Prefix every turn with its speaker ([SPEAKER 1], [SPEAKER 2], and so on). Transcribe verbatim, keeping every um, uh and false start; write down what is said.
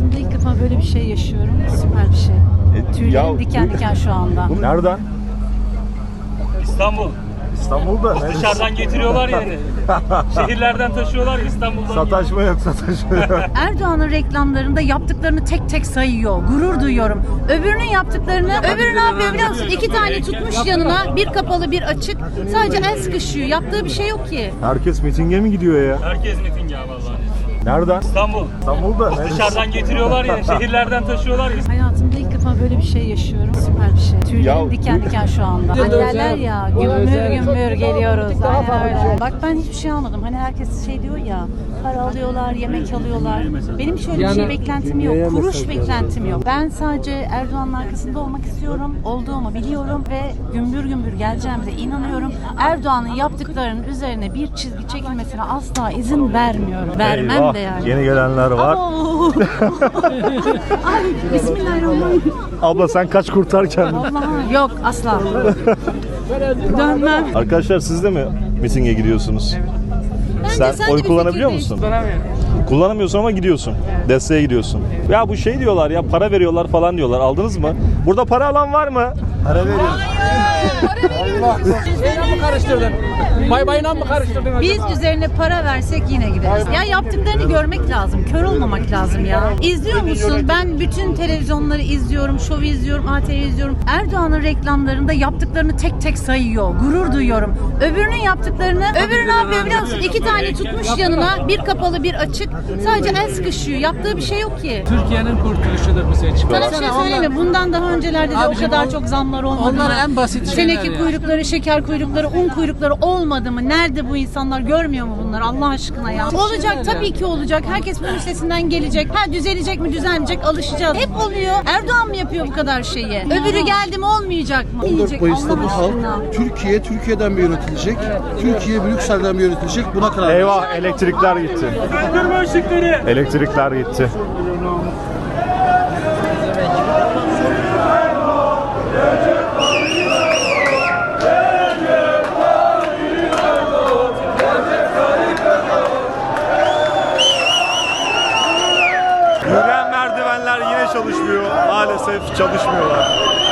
[SPEAKER 1] Hayatımda ilk defa böyle bir şey yaşıyorum. Süper bir şey.
[SPEAKER 2] E,
[SPEAKER 1] Tüylerim
[SPEAKER 2] ya-
[SPEAKER 1] diken diken şu anda.
[SPEAKER 2] Nereden?
[SPEAKER 3] İstanbul.
[SPEAKER 2] İstanbul'da. Neresi?
[SPEAKER 3] Dışarıdan getiriyorlar yani. Şehirlerden taşıyorlar İstanbul'dan.
[SPEAKER 2] Sataşma yok, sataşma yok.
[SPEAKER 1] Erdoğan'ın reklamlarında yaptıklarını tek tek sayıyor. Gurur duyuyorum. Öbürünün yaptıklarını, öbürü ne yapıyor biliyor musun? İki tane tutmuş yanına, bir kapalı bir açık. Sadece el sıkışıyor. Yaptığı bir şey yok ki.
[SPEAKER 2] Herkes mitinge mi gidiyor ya?
[SPEAKER 3] Herkes miting ya vallahi.
[SPEAKER 2] Nereden?
[SPEAKER 3] İstanbul.
[SPEAKER 2] İstanbul'da. Neresi?
[SPEAKER 3] Dışarıdan getiriyorlar yani. Şehirlerden taşıyorlar.
[SPEAKER 1] Hayatımda ilk defa böyle bir şey yaşıyorum. Süper bir şey. Tüylerim
[SPEAKER 2] Ya-
[SPEAKER 1] diken diken şu anda. Hani derler ya, gümbür gümbür geliyoruz. Aynen öyle. Bak ben hiçbir şey almadım. Hani herkes şey diyor ya, para alıyorlar, yemek alıyorlar. Benim şöyle bir şey beklentim yok. Kuruş beklentim yok. Ben sadece Erdoğan'ın arkasında olmak istiyorum. Olduğumu biliyorum ve gümbür gümbür geleceğimize inanıyorum. Erdoğan'ın yaptıklarının üzerine bir çizgi çekilmesine asla izin vermiyorum. Vermem
[SPEAKER 2] Eyvah,
[SPEAKER 1] de yani.
[SPEAKER 2] yeni gelenler var.
[SPEAKER 1] Oo. Ay bismillahirrahmanirrahim.
[SPEAKER 2] Abla sen kaç kurtar kendini.
[SPEAKER 1] Allah'ım yok asla. Dönmem.
[SPEAKER 2] Arkadaşlar siz de mi mitinge gidiyorsunuz? Sen
[SPEAKER 1] sen de
[SPEAKER 2] oy
[SPEAKER 1] bir
[SPEAKER 2] kullanabiliyor
[SPEAKER 1] fikir
[SPEAKER 2] musun? Kullanamıyorsun ama gidiyorsun. Desteğe gidiyorsun. Ya bu şey diyorlar ya, para veriyorlar falan diyorlar. Aldınız mı? Burada para alan var mı? Para veriyor.
[SPEAKER 4] Şeyle mi karıştırdın? Bay bayla mı karıştırdın?
[SPEAKER 1] Biz üzerine para versek yine gideriz. Ya yaptıklarını görmek lazım. Kör olmamak lazım ya. İzliyor musun? Ben bütün televizyonları izliyorum. Şovu izliyorum. A T V izliyorum. Erdoğan'ın reklamlarında yaptıklarını tek tek sayıyor. Gurur duyuyorum. Öbürünün yaptıklarını, öbürü ne yapıyor biliyor musun? İki tane tutmuş yanına, bir kapalı bir açık. Sadece el sıkışıyor. Yaptığı bir şey yok ki.
[SPEAKER 4] Türkiye'nin kurtuluşudur bu seçim.
[SPEAKER 1] Sana bir şey söyleyeyim mi? Bundan daha öncelerde de o
[SPEAKER 4] Abicim,
[SPEAKER 1] kadar
[SPEAKER 4] on-
[SPEAKER 1] çok zamlar olmadı
[SPEAKER 4] onlar
[SPEAKER 1] mı?
[SPEAKER 4] en basit şeyler
[SPEAKER 1] Teneke
[SPEAKER 4] ya.
[SPEAKER 1] kuyrukları, şeker kuyrukları, un kuyrukları olmadı mı? Nerede bu insanlar? Görmüyor mu bunları Allah aşkına ya? Olacak tabii ki olacak. Herkes bunun üstesinden gelecek. Ha düzelecek mi düzelmeyecek alışacağız. Hep oluyor. Erdoğan mı yapıyor bu kadar şeyi? Öbürü geldi mi olmayacak mı?
[SPEAKER 5] on dört
[SPEAKER 1] Olmayacak,
[SPEAKER 5] Mayıs'ta
[SPEAKER 1] Allah
[SPEAKER 5] bu
[SPEAKER 1] aşkına.
[SPEAKER 5] halk Türkiye, Türkiye'den mi yönetilecek? Türkiye Brüksel'den mi yönetilecek? Buna karar verecek.
[SPEAKER 2] Eyvah, elektrikler gitti.
[SPEAKER 3] Söndürme ışıkları.
[SPEAKER 2] Elektrikler gitti. Yürüyen merdivenler yine çalışmıyor. Maalesef çalışmıyorlar.